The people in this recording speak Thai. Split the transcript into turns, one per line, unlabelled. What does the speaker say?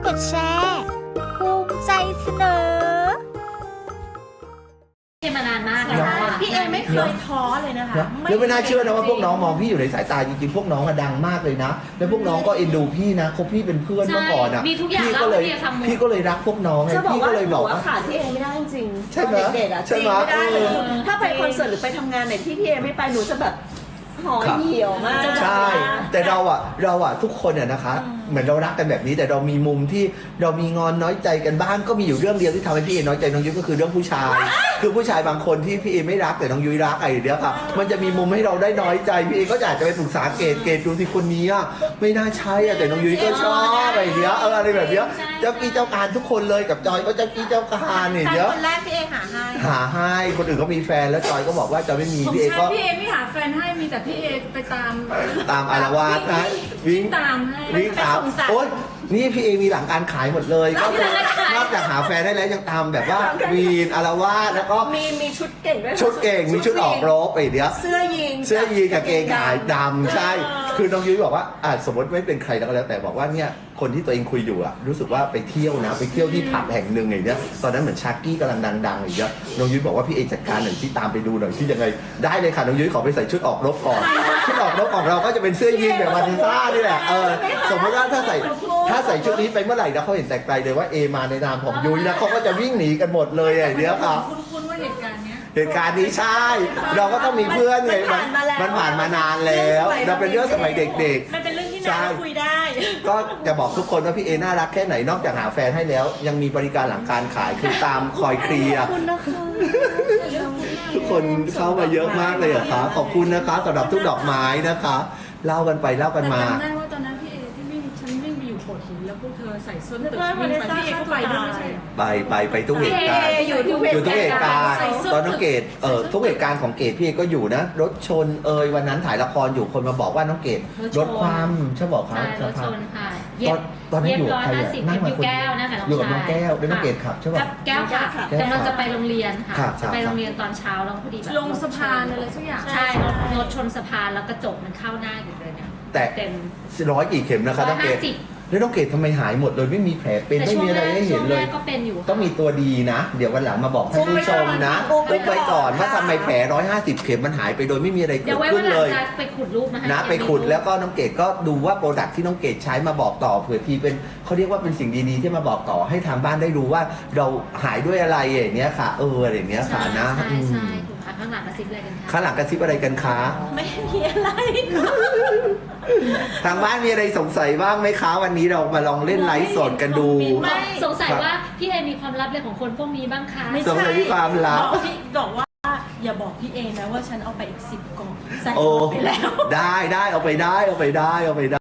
ดแชร์ภูมิใจเสนอ
มานานมากแล้ว
พี่เอไม่เคยท้อเลยนะคะ
แล้วไม่น่าเชื่อนะว่าพวกน้องมองพี่อยู่ในสายตาจริงๆพวกน้องอะดังมากเลยนะแล้วพวกน้องก็เอ็นดูพี่นะคบพี่เป็นเพื่อนเมื่อก่อนอะพี่ก็เลยรักพวกน้องไงพี่ก็เลยบอกว่า
ขาดพี่เอไม่ได้จริง
ใช่ไหม
เด็กๆอะจริงไม่ได้เลยถ้าไปคอนเสิร์ตหรือไปทำงานไหนที่พี่เอไม่ไปหนูจะแบบห่อเหี่ยวมาก
ใช่แต่เราอะทุกคนอะนะคะเหมือนเรารักกันแบบนี้แต่เรามีมุมที่เรามีงอนน้อยใจกันบ้างก็มีอยู่เรื่องเดียวที่ทำให้พี่เอน้อยใจน้องยุ้ยก็คือเรื่องผู้ชายคือผู้ชายบางคนที่พี่เอไม่รักแต่น้องยุ้ยรักไอ้เดียวค่ะมันจะมีมุมให้เราได้น้อยใจพี่เอก็อยากจะไปปรึกษาเกรดดูที่คนนี้อะไม่น่าใช่อะแต่น้องยุ้ยก็ชอบอะไรเดียวอะไรแบบเนี้ยเจ้ากี้เจ้าการทุกคนเลยกับจอยก็เจ้ากี้เจ้าการเนี่ยเดี๋ยว
คนแรกพี่เอหา
ให้คนอื่นก็มีแฟนแล้วจอยก็บอกว่าจะไม่มีพี่เอก็
พี่เอไม่หาแฟนให้มีแต่พี่เอไปตาม
อารวาสนะ
วิ่งตามให้
วิ่งตามโอ๊ยนี่พี่เอมีหลังการขายหมดเลยก็คือนอกจากหาแฟนได้แล้วยังตามแบบว่าวีนอารวาสแล้วก็
มีชุดเก่งด้วย
ชุดเก่งมีชุดออกรบไปเดี๋ยว
เสื้อยีน
กับเกงขายดำใช่คือน้องยุ้ยบอกว่าสมมติไม่เป็นใครแล้วแต่บอกว่าเนี่ยคนที่ตัวเองคุยอยู่อะรู้สึกว่าไปเที่ยวนะไปเที่ยวที่ผับแห่งหนึ่งอย่างเงี้ยตอนนั้นเหมือนชาร์กี้กำลังดังๆอย่างเงี้ยน้องยุ้ยบอกว่าพี่เอจัดการหน่อยที่ตามไปดูหน่อยที่ยังไงได้เลยค่ะน้องยุ้ยขอไปใส่ชุดออกรบก่อนชุดออกรบของเราก็จะเป็นเสื้อยีนแบบมาติซ่านี่แหละสมมติว่าถ้าใส่ชุดนี้ไปเมื่อไหร่นะเขาเห็นแต่ไกลเลยว่าเอมาในนามของยุ้ยนะเขาก็จะวิ่งหนีกันหมดเลยอย่างเงี้ยค่ะ
คุ้นว่าเหตุการณ์
นี้ใช่เราก็ต้องมีเพื่อนไงมันผ่านมานานแล้วเราเป็นเรื่องสมัยเด็ก
ๆมันเป็นเรื่องที่น่าคุยได้
ก็จะบอกทุกคนว่าพี่เอน่ารักแค่ไหนนอกจากหาแฟนให้แล้วยังมีบริการหลังการขายคือตามคอยเคลียร์ทุกคนเข้ามาเยอะมากเลยค่ะขอบคุณนะคะสำหรับทุกดอกไม้นะคะเล่ากันไปเล่ากันมา
จำได้ว่าตอนนั้นพี่เอที่ฉันวิ่งไปอยู่โขดหินแล้วพวกเธอใส่ส้นตึกวิ่งไปพี่เอก็ไปด้วยไม่ใช่
ไปทุกเหตุการณ์อยู่ทุกเหตุการณ์ตอนน้องเกดทุกเหตุการณ์ของเกดพี่เอก็อยู่นะรถชนวันนั้นถ่ายละครอยู่คนมาบอกว่าน้องเกดรถความใช่บอกเขา
รถชนค่ะ
ตอนนั้นอยู่ใคร
นั่งมาคน
อยู่กับน้องแก้วแล้วน้องเกดขับใช่ป่ะ
แก้วค่ะกำลังจะไปโรงเรียนค่ะจะไปโรงเรียนตอนเช้าแล้วพอดีแบบ
ลงสะพานอะไรสักอย่าง
ใช่รถชนสะพานแล้วกระจกมันเข้าหน้าอยู่เลยเนี่ย
แต่
เต็ม
100กี่เข็มนะคะน้องเกดแล้วน้องเกดทำไมหายหมดเลยไม่มีแผลเป็นไม่มีอะไรให้เห็นเลยต้องมีตัวดีนะ เดี๋ยววันหลังมาบอกท่านผู้ชมนะปุ๊บไว้ก่อนว่าทำไมแผล150เข็มมันหายไปโดยไม่มีอะไรเกิดขึ้นเลย
ไปขุดรูป
นะไปขุดแล้วก็น้องเกดก็ดูว่าโปรดักที่น้องเกดใช้มาบอกต่อเผื่อทีเป็นเขาเรียกว่าเป็นสิ่งดีๆที่มาบอกต่อให้ทางบ้านได้รู้ว่าเราหายด้วยอะไรอย่างเงี้ยค่ะอะไรอย่างเงี้ยค่ะนะ
ใช่ข้างหลังกระซิบอะไรกันคะ
ข้างหลังกระซิบอะไรกันคะ
ไม่มีอะไร
ทางบ้านมีอะไรสงสัยบ้างไหมคะวันนี้เรามาลองเล่นไลฟ์สดกันดู
ไม่สงสัยว่าพี่เอมีความลับอะไรของคนพวกนี้บ้างคะ
สงสัยมีความลับ
บอกว่าอย่าบอกพี่เอนะว่าฉันเอาไปอีก10 กล่องใส่ไปแล้ว
ได้เอาไปได้